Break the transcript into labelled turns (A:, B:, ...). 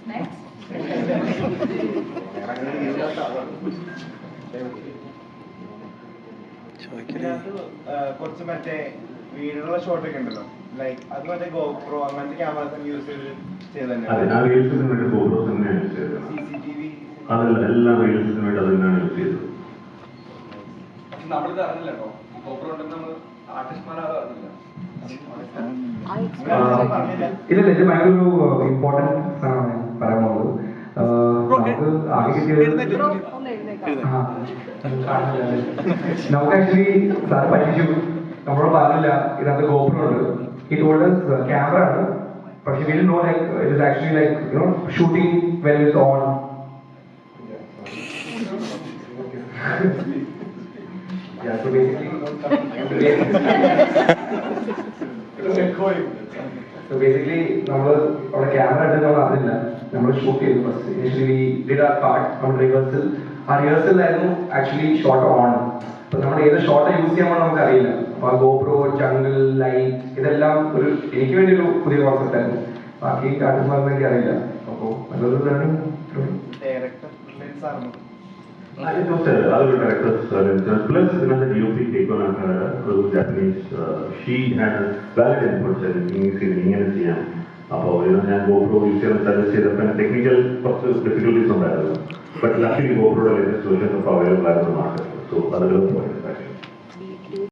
A: കുറച്ച് മറ്റേ വീടുള്ള ഷോട്ടൊക്കെ ഉണ്ടല്ലോ, ലൈക്ക് അത് മറ്റേ ഗോപ്രോ അങ്ങനത്തെ ക്യാമറ യൂസ് ചെയ്ത് CCTV
B: അതല്ല, എല്ലാ റീൽസിനും വേണ്ടി അത് തന്നെയാണ് യൂസ് ചെയ്തത്.
C: നമ്മളിത് അറിഞ്ഞില്ല കേട്ടോ, ഗോപ്രോ ഉണ്ടെന്ന് നമ്മൾ ആർട്ടിസ്റ്റ്മാരാരും അറിഞ്ഞില്ല.
D: ഇല്ല, ഇത് ഭയങ്കര ഒരു ഇമ്പോർട്ടൻറ്റ് സാധനമാണ് പറയാൻ പോകുന്നത്. നമുക്ക് ആകെ കിട്ടിയത് നമുക്ക് ആക്ച്വലി സാർ പറ്റിച്ചു, നമ്മളോട് പറഞ്ഞില്ല ഇതിനകത്ത് ഗോപ്രോ ഉണ്ട്. ഈ ടോൾഡ് ക്യാമറ ആണ്, പക്ഷെ we don't know like it is actually like you know shooting when it's on. Yeah, so basically നമ്മൾ അവിടെ ക്യാമറ എടുത്ത് നമ്മൾ അറിഞ്ഞില്ല, നമ്മൾ ഷൂട്ട് ചെയ്തു. First initially did our part, നമ്മൾ റിഹേഴ്സൽ, ആ റിഹേഴ്സലായിരുന്നു ആക്ച്വലി ഷോട്ട് ഓൺ. അപ്പൊ നമ്മൾ ഏത് ഷോട്ട് യൂസ് ചെയ്യാൻ നമുക്ക് അറിയില്ല. അപ്പൊ ആ ഗോപ്രോ, ജംഗിൾ, ലൈറ്റ് ഇതെല്ലാം ഒരു എനിക്ക് വേണ്ടി ഒരു പുതിയ കോൺസെപ്റ്റ് ആയിരുന്നു. ബാക്കി ആർട്ടിസ്റ്റ്മാർക്ക് വേണ്ടി അറിയില്ല. അപ്പോൾ നല്ലൊരു
A: ഡയറക്ടർ ആയിരുന്നു.
B: I didn't know that other directors plus another DOP take on her Japanese. She had valid inputs and ഇങ്ങനെ ചെയ്യാം. അപ്പോൾ ഞാൻ GoPro യൂസ് ചെയ്യാൻ സജസ്റ്റ് ചെയ്തപ്പോൾ ടെക്നിക്കൽ കുറച്ച് ഡിഫിക്കൽട്ടീസ് ഉണ്ടായിരുന്നു. ബട്ട് ലക്കിലി GoProയുടെ ലേറ്റസ്റ്റ് വേർഷൻസ് ഒക്കെ അവൈലബിൾ ആയിരുന്നു മാർക്കറ്റിൽ. സോ അതുകൾ പോയി.